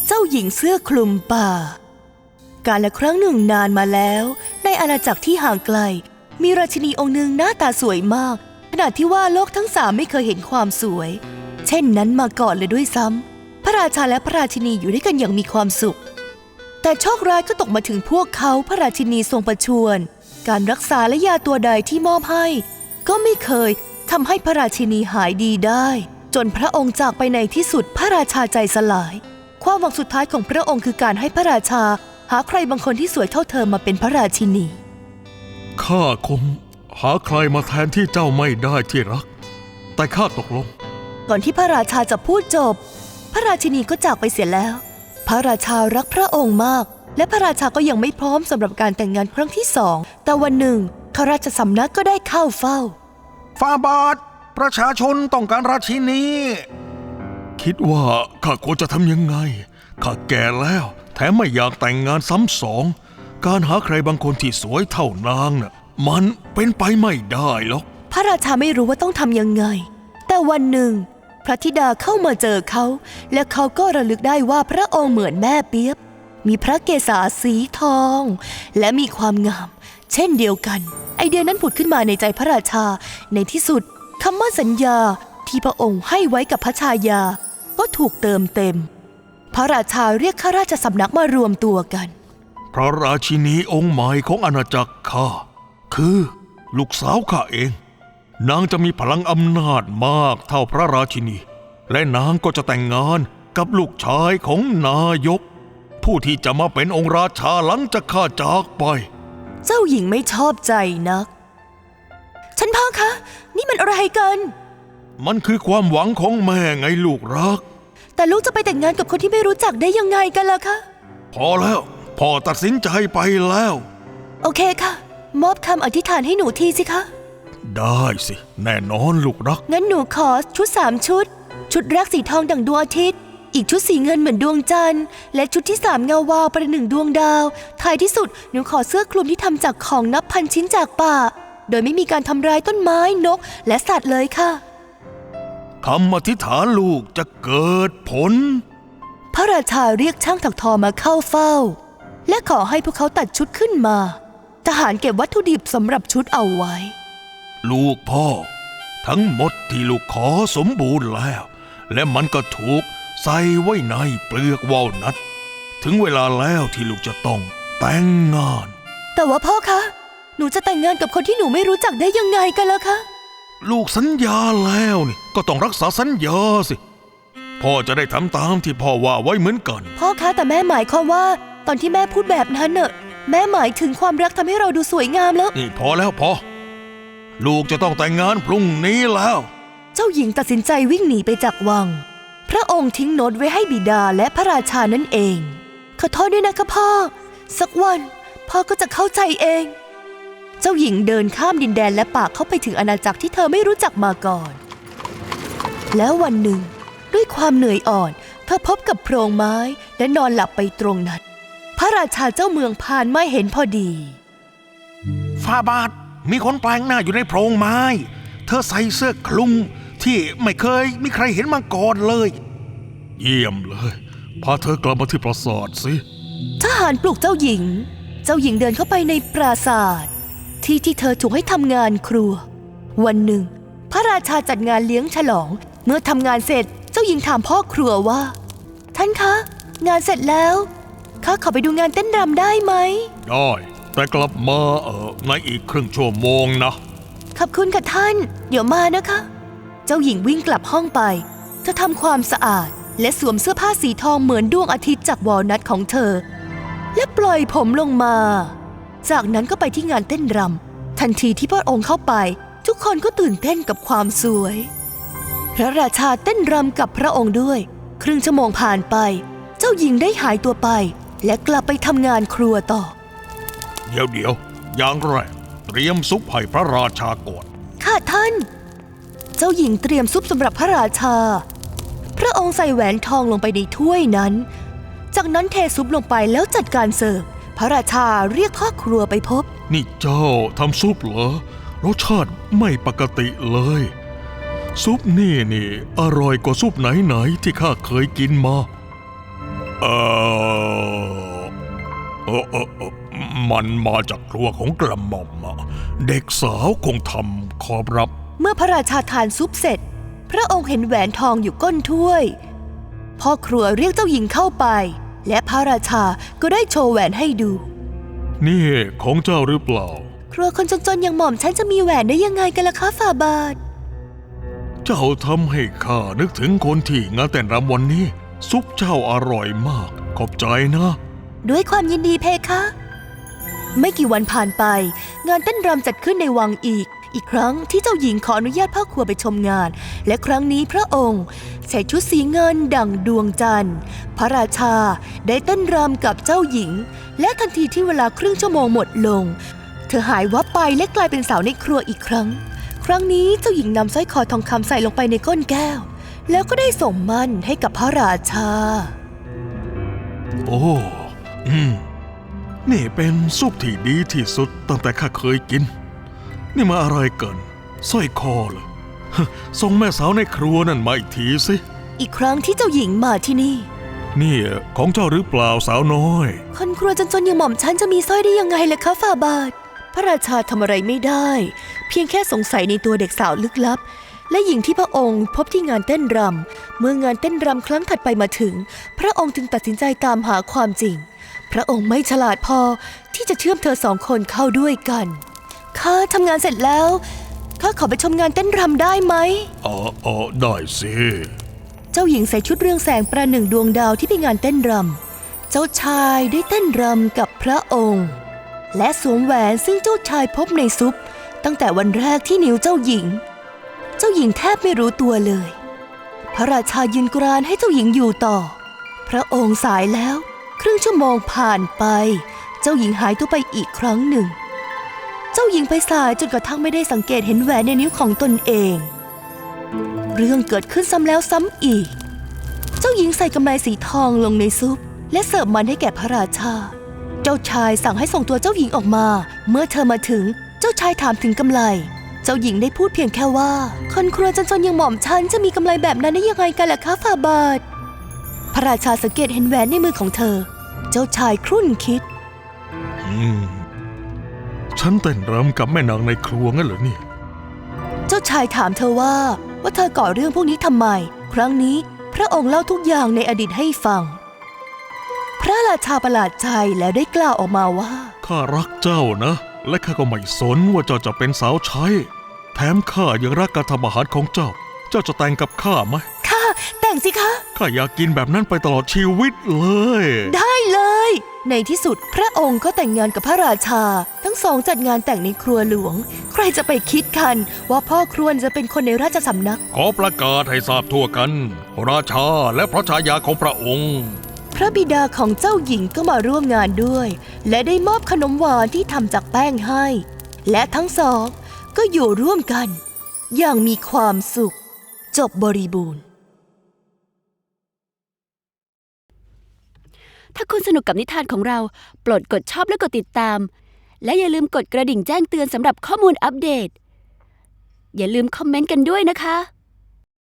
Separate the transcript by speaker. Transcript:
Speaker 1: เจ้าหญิงเสื้อคลุมป่ากาลครั้งหนึ่งนานมาแล้วในอาณาจักรที่ห่างไกลมีราชินีองค์หนึ่งหน้าตาสวยมากขนาดที่ว่าโลกทั้งสามไม่เคยเห็นความสวยเช่นนั้นมาก่อนเลยด้วยซ้ำพระราชาและพระราชินีอยู่ด้วยกันอย่างมีความสุขแต่โชคร้ายก็ตกมาถึงพวกเขาพระราชินีทรงประชวรการรักษาและยาตัวใดที่มอบให้ก็ไม่เคยทำให้พระราชินีหายดีได้จนพระองค์จากไปในที่สุดพระราชาใจสลายความหวังสุดท้ายของพระองค์คือการให้พระราชาหาใครบางคนที่สวยเท่าเธอมาเป็นพระราชินี
Speaker 2: ข้าคงหาใครมาแทนที่เจ้าไม่ได้ที่รักแต่ข้าตกลง
Speaker 1: ก่อนที่พระราชาจะพูดจบพระราชินีก็จากไปเสียแล้วพระราชารักพระองค์มากและพระราชาก็ยังไม่พร้อมสำหรับการแต่งงานครั้งที่สองแต่วันหนึ่งข้าราชสำนักก็ได้เข้าเฝ้า
Speaker 3: ฝ่าบาทประชาชนต้องการราชินี
Speaker 2: คิดว่าข้าควรจะทำยังไงข้าแก่แล้วแถมไม่อยากแต่งงานซ้ำสองการหาใครบางคนที่สวยเท่านางน่ะมันเป็นไปไม่ได้หรอก
Speaker 1: พระราชาไม่รู้ว่าต้องทำยังไงแต่วันหนึ่งพระธิดาเข้ามาเจอเขาและเขาก็ระลึกได้ว่าพระองค์เหมือนแม่เปี๊ยบมีพระเกศาสีทองและมีความงามเช่นเดียวกันไอเดียนั้นผุดขึ้นมาในใจพระราชาในที่สุดคำมั่นสัญญาที่พระองค์ให้ไว้กับพระชายาก็ถูกเติมเต็มพระราชาเรียกข้าราชสำนักมารวมตัวกัน
Speaker 2: พระราชินีองค์ใหม่ของอาณาจักรข้าคือลูกสาวข้าเองนางจะมีพลังอำนาจมากเท่าพระราชินีและนางก็จะแต่งงานกับลูกชายของนายกผู้ที่จะมาเป็นองค์ราชาหลังจากข้าจากไป
Speaker 1: เจ้าหญิงไม่ชอบใจนักท่านพ่อคะนี่มันอะไรกัน
Speaker 2: มันคือความหวังของแม่ไงลูกรัก
Speaker 1: แต่ลูกจะไปแต่งงานกับคนที่ไม่รู้จักได้ยังไงกันล่ะคะ
Speaker 2: พอแล้วพ่อตัดสินใจไปแล้ว
Speaker 1: โอเคค่ะมอบคำอธิษฐานให้หนูทีสิคะ
Speaker 2: ได้สิแน่นอนลูกรัก
Speaker 1: งั้นหนูขอชุด3ชุดแรกสีทองดั่งดวงอาทิตย์อีกชุดสีเงินเหมือนดวงจันทร์และชุดที่3เงาวาวประหนึ่งดวงดาวท้ายที่สุดหนูขอเสื้อคลุมที่ทำจากของนับพันชิ้นจากป่าโดยไม่มีการทำร้ายต้นไม้นกและสัตว์เลยค่ะ
Speaker 2: คำอธิษฐานลูกจะเกิดผล
Speaker 1: พระราชาเรียกช่างถักทอมาเข้าเฝ้าและขอให้พวกเขาตัดชุดขึ้นมาทหารเก็บวัตถุดิบสำหรับชุดเอาไว้
Speaker 2: ลูกพ่อทั้งหมดที่ลูกขอสมบูรณ์แล้วและมันก็ถูกใส่ไว้ในเปลือกวอลนัทถึงเวลาแล้วที่ลูกจะต้องแต่งงาน
Speaker 1: แต่ว่าพ่อคะหนูจะแต่งงานกับคนที่หนูไม่รู้จักได้ยังไงกันล่ะคะ
Speaker 2: ลูกสัญญาแล้วนี่ก็ต้องรักษาสัญญาสิพ่อจะได้ทำตามที่พ่อว่าไว้เหมือนกัน
Speaker 1: พ่อคะแต่แม่หมายความว่าตอนที่แม่พูดแบบนั้นเนอะแม่หมายถึงความรักทำให้เราดูสวยงามแล้ว
Speaker 2: นี่พอแล้วพอลูกจะต้องแต่งงานพรุ่งนี้แล้ว
Speaker 1: เจ้าหญิงตัดสินใจวิ่งหนีไปจากวังพระองค์ทิ้งโน้ตไว้ให้บิดาและพระราชานั่นเองขอโทษด้วยนะคะพ่อสักวันพ่อก็จะเข้าใจเองเจ้าหญิงเดินข้ามดินแดนและป่าเข้าไปถึงอาณาจักรที่เธอไม่รู้จักมาก่อนแล้ววันหนึ่งด้วยความเหนื่อยอ่อนเธอพบกับโพรงไม้และนอนหลับไปตรงนั้นพระราชาเจ้าเมืองผ่านมาเห็นพอดี
Speaker 3: ฝ่าบาทมีคนแปลงหน้าอยู่ในโพรงไม้เธอใส่เสื้อคลุมที่ไม่เคยมีใครเห็นมาก่อนเลย
Speaker 2: เยี่ยมเลยพาเธอกลับมาที่ปราสาทสิ
Speaker 1: ทหารปลุกเจ้าหญิงเดินเข้าไปในปราสาทที่เธอถูกให้ทำงานครัววันหนึ่งพระราชาจัดงานเลี้ยงฉลองเมื่อทำงานเสร็จเจ้าหญิงถามพ่อครัวว่าท่านคะงานเสร็จแล้วข้าขอไปดูงานเต้นรำได้ไหม
Speaker 2: ได้แต่กลับมาในอีกครึ่งชั่วโมงนะ
Speaker 1: ขอบคุณค่ะท่านเดี๋ยวมานะคะเจ้าหญิงวิ่งกลับห้องไปเธอทำความสะอาดและสวมเสื้อผ้าสีทองเหมือนดวงอาทิตย์จากวอลนัทของเธอและปล่อยผมลงมาจากนั้นก็ไปที่งานเต้นรำทันทีที่พระองค์เข้าไปทุกคนก็ตื่นเต้นกับความสวยพระราชาเต้นรำกับพระองค์ด้วยครึ่งชั่วโมงผ่านไปเจ้าหญิงได้หายตัวไปและกลับไปทำงานครัวต่อ
Speaker 2: เดี๋ยวอย่างแรกเตรียมซุปให้พระราชาก่อน
Speaker 1: ค่ะท่านเจ้าหญิงเตรียมซุปสำหรับพระราชาพระองค์ใส่แหวนทองลงไปในถ้วยนั้นจากนั้นเทซุปลงไปแล้วจัดการเสิร์ฟพระราชาเรียกพ่อครัวไปพบ
Speaker 2: นี่เจ้าทำซุปเหรอรสชาติไม่ปกติเลยซุปนี่อร่อยกว่าซุปไหนที่ข้าเคยกินมาเอมันมาจากครัวของกระหม่อมอะเด็กสาวคงทำขอบรับ
Speaker 1: เมื่อพระราชาทานซุปเสร็จ พระองค์เห็นแหวนทองอยู่ก้นถ้วยพ่อครัวเรียกเจ้าหญิงเข้าไปและพระราชาก็ได้โชว์แหวนให้ดู
Speaker 2: นี่ของเจ้าหรือเปล่า
Speaker 1: ครัวคนจนๆอย่างหม่อมฉันจะมีแหวนได้ยังไงกันล่ะคะฝ่าบาท
Speaker 2: เจ้าทำให้ข้านึกถึงคนที่งานแต่งรำวันนี้ ซุปเจ้าอร่อยมากขอบใจนะ
Speaker 1: ด้วยความยินดีเพคะ ไม่กี่วันผ่านไปงานเต้นรำจัดขึ้นในวังอีกครั้งที่เจ้าหญิงขออนุญาตพ่อครัวไปชมงานและครั้งนี้พระองค์ใส่ชุดสีเงินดั่งดวงจันทร์พระราชาได้เต้นรำกับเจ้าหญิงและทันทีที่เวลาครึ่งชั่วโมงหมดลงเธอหายวับไปและกลายเป็นสาวในครัวอีกครั้งนี้เจ้าหญิงนำสร้อยคอทองคำใส่ลงไปในก้นแก้วแล้วก็ได้ส่งมั่นให้กับพระราชา
Speaker 2: โอ้นี่เป็นซุปที่ดีที่สุดตั้งแต่ข้าเคยกินนี่มาอะไรเกินสร้อยคอเหรอส่งแม่สาวในครัวนั่นมาอีกทีสิ
Speaker 1: อีกครั้งที่เจ้าหญิงมาที่นี่
Speaker 2: นี่ของเจ้าหรือเปล่าสาวน้อย
Speaker 1: คนครัวจนๆอย่างหม่อมฉันจะมีสร้อยได้ยังไงล่ะคะฝ่าบาทพระราชาทำอะไรไม่ได้เพียงแค่สงสัยในตัวเด็กสาวลึกลับและหญิงที่พระองค์พบที่งานเต้นรำเมื่องานเต้นรำครั้งถัดไปมาถึงพระองค์จึงตัดสินใจตามหาความจริงพระองค์ไม่ฉลาดพอที่จะเชื่อมเธอสองคนเข้าด้วยกันข้าทำงานเสร็จแล้วข้าขอไปชมงานเต้นรำได้ไหม
Speaker 2: ได้สิ
Speaker 1: เจ้าหญิงใส่ชุดเรืองแสงประหนึ่งดวงดาวที่ไปงานเต้นรำเจ้าชายได้เต้นรำกับพระองค์และสวมแหวนซึ่งเจ้าชายพบในซุปตั้งแต่วันแรกที่นิ้วเจ้าหญิงแทบไม่รู้ตัวเลยพระราชายืนกรานให้เจ้าหญิงอยู่ต่อพระองค์สายแล้วครึ่งชั่วโมงผ่านไปเจ้าหญิงหายตัวไปอีกครั้งหนึ่งเจ้าหญิงไปสายจนกระทั่งไม่ได้สังเกตเห็นแหวนในนิ้วของตนเองเรื่องเกิดขึ้นซ้ำแล้วซ้ำอีกเจ้าหญิงใส่กำไลสีทองลงในซุปและเสิร์ฟมันให้แก่พระราชาเจ้าชายสั่งให้ส่งตัวเจ้าหญิงออกมาเมื่อเธอมาถึงเจ้าชายถามถึงกำไลเจ้าหญิงได้พูดเพียงแค่ว่าคนครัวจนๆอย่างหม่อมฉันจะมีกำไลแบบนั้นได้ยังไงกันล่ะคะฝ่าบาทพระราชาสังเกตเห็นแหวนในมือของเธอเจ้าชายครุ่นคิด
Speaker 2: ฉันเต้นรำกับแม่นางในครัวงั้นเหรอเนี่ย
Speaker 1: เจ้าชายถามเธอว่าเธอก่อเรื่องพวกนี้ทำไมครั้งนี้พระองค์เล่าทุกอย่างในอดีตให้ฟังพระราชาประหลาดใจแล้วได้กล่าวออกมาว่า
Speaker 2: ข้ารักเจ้านะและข้าก็ไม่สนว่าเจ้าจะเป็นสาวใช้แถมข้ายังรักการทำอาหารของเจ้าจะแต่งกับข้าไหม
Speaker 1: ค่ะแต่งสิคะ
Speaker 2: ข้าอยากกินแบบนั้นไปตลอดชีวิตเลย
Speaker 1: ได้เลยในที่สุดพระองค์ก็แต่งงานกับพระราชาทั้งสองจัดงานแต่งในครัวหลวงใครจะไปคิดกันว่าพ่อครวญจะเป็นคนในราชสำนัก
Speaker 2: ขอประกาศให้ทราบทั่วกันราชาและพระชายาของพระองค์
Speaker 1: พระบิดาของเจ้าหญิงก็มาร่วมงานด้วยและได้มอบขนมหวานที่ทำจากแป้งให้และทั้งสองก็อยู่ร่วมกันอย่างมีความสุขจบบริบูรณ์
Speaker 4: ถ้าคุณสนุกกับนิทานของเราโปรดกดชอบและกดติดตามและอย่าลืมกดกระดิ่งแจ้งเตือนสำหรับข้อมูลอัปเดตอย่าลืมคอมเมนต์กันด้วยนะคะ